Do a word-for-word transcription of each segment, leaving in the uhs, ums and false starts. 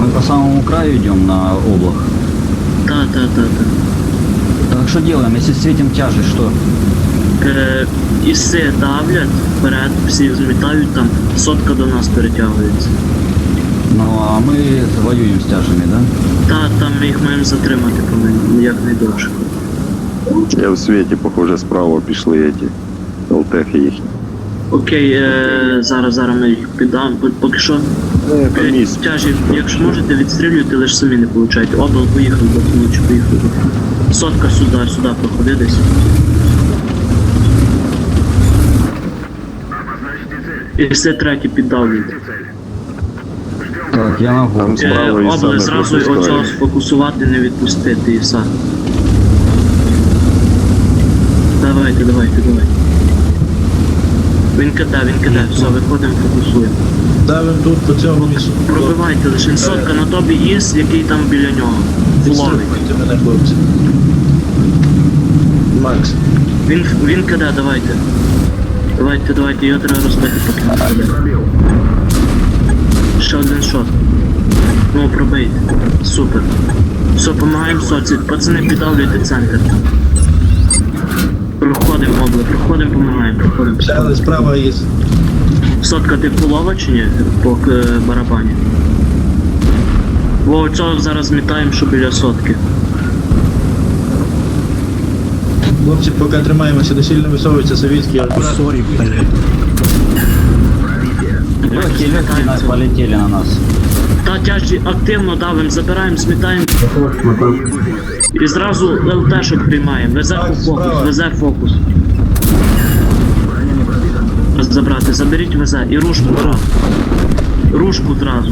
мы по самому краю идем на облак. Та, та, та, та. Так что делаем, если светим тяжесть, что? Е, іси давлять вперед, всі змітають там, сотка до нас перетягується. Ну а мы воюем с тяжами, да? Та, там ми їх маємо затримати повинні, як найдовше. Я в світі, похоже, справа пішли эти ЛТХи їхні. Окей, е, зараз, зараз ми їх піддам, поки що. Е, Е, місць. Тяжі, якщо можете, відстрілюйте, лише самі не получайте. Обл поїхав, бо лучше поїхав. Сотка сюди, сюди проходи десь. І все треті піддавлюють. Так, я могу. Там Е, справа і Обли саме зразу оцього пропускає. сфокусувати, не відпустити іса. Давайте, давайте, давайте. Він кида, він кида, все, виходимо, фокусуємо. Давим тут по цьому місцю. Пробивайте лише сотка на тобі іс, який там біля нього. Фуловий. Відстрибуйте мене, хлопці. Макс. Він, він кида, давайте. Давайте, давайте, його треба розбити, поки не киде. Ще один шот. Ну, пробийте. Супер. Все, помагаємо соці. Пацани, піддавлюйте центр. Проходимо, обли, проходимо, помагаємо, проходимо. Взяли справа із. Сотка, ти фулова чи ні? По е, барабані. Во, цього зараз змітаємо, що біля сотки. Хлопці, поки тримаємося, не сильно висовується совітський. Сорі, блядь. Легкие, легкие нас полетели на нас. Та тяжі активно давим, забираємо, змітаємо. І зразу ЛТшок приймаємо. Везе фокус, везе фокус. Забрати, заберіть везе і рушку зразу. Рушку зразу.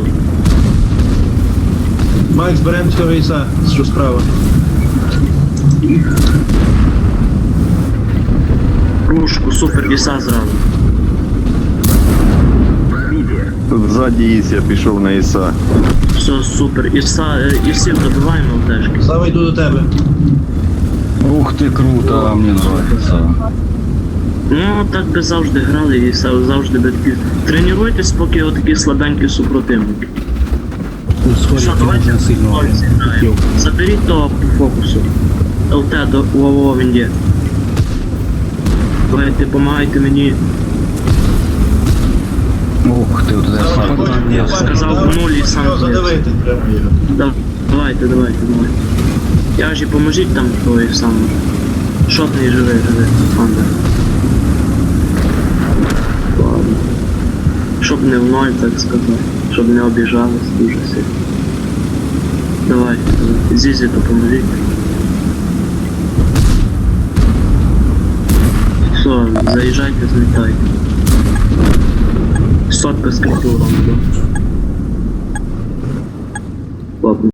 Макс, беремо цього іса, що справа. Рушку, супер, іса зразу. Тут ззаді Іс, я пішов на Іса. Все, супер. Іса, е, ісів добиваємо ЛТшки. Слава, йду до тебе. Ух ты, круто, мне нравится. Ну, так би завжди грали і са- завжди би такі. Тренуйтесь, поки отакі слабенькі супротивники. Ну, сорі, Що, ти давайте дуже сильно ноль зіграємо. хотів. Заберіть того по фокусу. ЛТ до ООО він є. Давайте, помагайте мені. Ух ты, вот это я сам. Ні, Сказав в нулі і сам Його зліз. задавити прямо його. Да- Давайте, давайте, давайте. Я ж і поможіть там той сам. Шотний живий, живий. Андер. Ладно. Щоб не в ноль, так сказати. Щоб не обіжались дуже сильно. Давайте, давайте. Зізі допоможіть. Все, заїжджайте, злітайте. Сотка з культуром, да? Ладно.